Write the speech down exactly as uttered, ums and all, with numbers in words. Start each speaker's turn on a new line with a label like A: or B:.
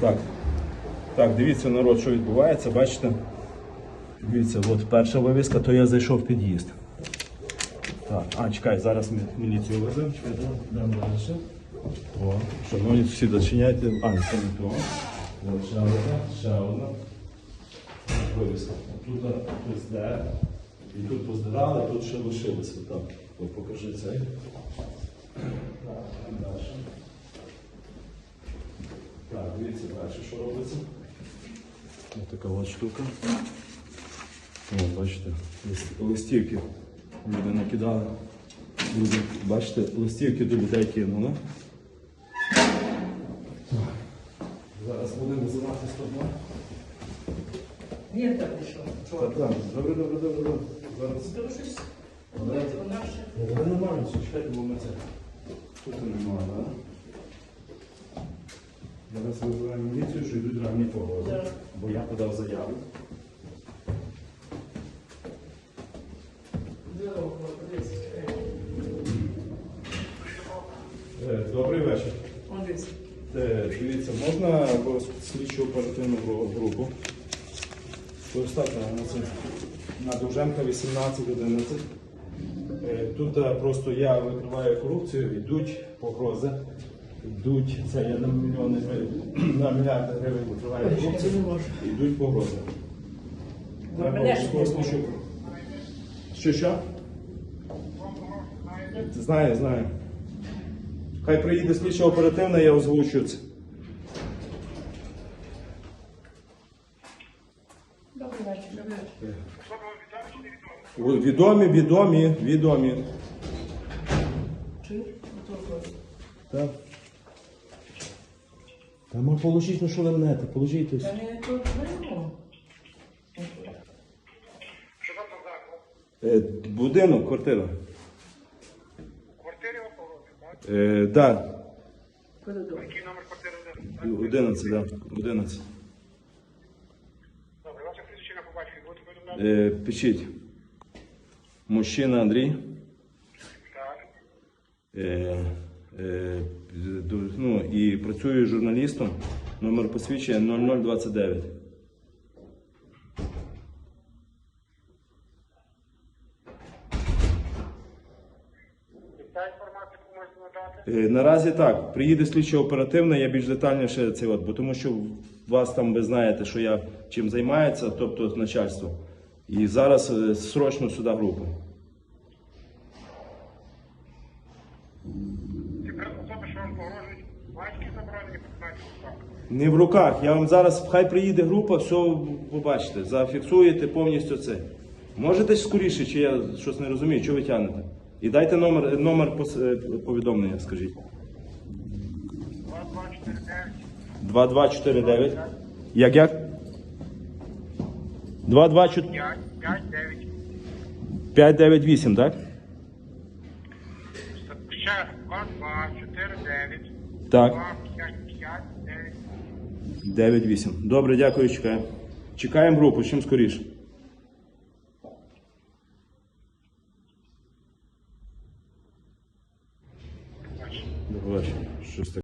A: Так, так, дивіться, народ, що відбувається, бачите? Дивіться, от перша вивіска, то я зайшов в під'їзд. Так, а, чекай, зараз ми міліцію веземо, чекай, йдемо далі. О, шановні сусіди, зачиняйте, а, не це не то. От, ще одна, ще одна вивіска. Тут хтось де, і тут поздирали, тут ще лишилося. Так, от покажи цей. Так, далі. Так, дивіться далі, що робиться. Ось така от штука. О, бачите, листівки люди накидали. Люди, бачите, листівки до людей кинули. Зараз будемо визивати сто два.
B: Ні, так пішов.
A: Так, так, добре, добре, добре, добре. Зараз.
B: Здорожусь.
A: Добре.
B: Вона ще.
A: Я не маю, чекайте, бо ми це. Тут немає, так? Зараз визиваємо міліцію, що йдуть ранні погоди.
B: Так.
A: Бо я подав заяву.
B: Здорово, подивися.
A: Е, Добрий вечір.
B: Он дивись.
A: Е, Дивіться, можна слідчу оперативну групу? Достатньо на це. На Довженка вісімнадцять одинадцять. Е, Тут е, просто я викриваю корупцію, йдуть погрози. Йдуть, це я на мільйони гривень, на мільярди гривень викриваю корупцію, йдуть погрози. Треба
B: мене ж
A: обов'язково слідчу. Що, що? Знаю, знаю. Хай приїде слідча оперативна, я озвучу це.
B: Добрий вечір. Добрий вечір.
A: Відомі, відомі, відомі.
B: Чуєш? Отут.
A: Так. Та ми положіть, ну що ви мнете, положіть ось.
B: Та не тут вийму.
A: Е, Будинок, квартира.
C: Квартирі у погрозі, так?
A: Е, да.
B: Коридор.
C: Який номер квартири?
A: одинадцять, да. одинадцять.
C: Добре, ваша причина побачити, будете повідомляти?
A: Е, пишіть. Мужчина Андрій.
C: Так.
A: Е, е, ду- ну, і працюю журналістом. Номер посвідчення нуль нуль двадцять дев'ять.
C: І ця інформація, яку можете надати?
A: Е, Наразі так, приїде слідчо оперативна, я більш детальніше це от, бо тому що вас там ви знаєте, що я чим займається, тобто начальство. І зараз е, срочно сюди групу.
C: Ці особи, що вам погрожують, мають якісь заборонені документи в руках?
A: Не в руках. Я вам зараз, хай приїде група, все побачите, зафіксуєте повністю це. Можете скоріше, чи я щось не розумію, що ви тягнете? І дайте номер, номер пос- е, повідомлення, скажіть.
C: два два чотири дев'ять.
A: два два чотири дев'ять. Як як? два два чотири
C: п'ять п'ять дев'ять.
A: п'ять дев'ять вісім, так?
C: Ще два два чотири дев'ять.
A: Так.
C: два п'ять п'ять дев'ять.
A: дев'ять вісім. Добре, дякую, чекаємо. Чекаємо групу, чим скоріше. До побачення. Щось таке.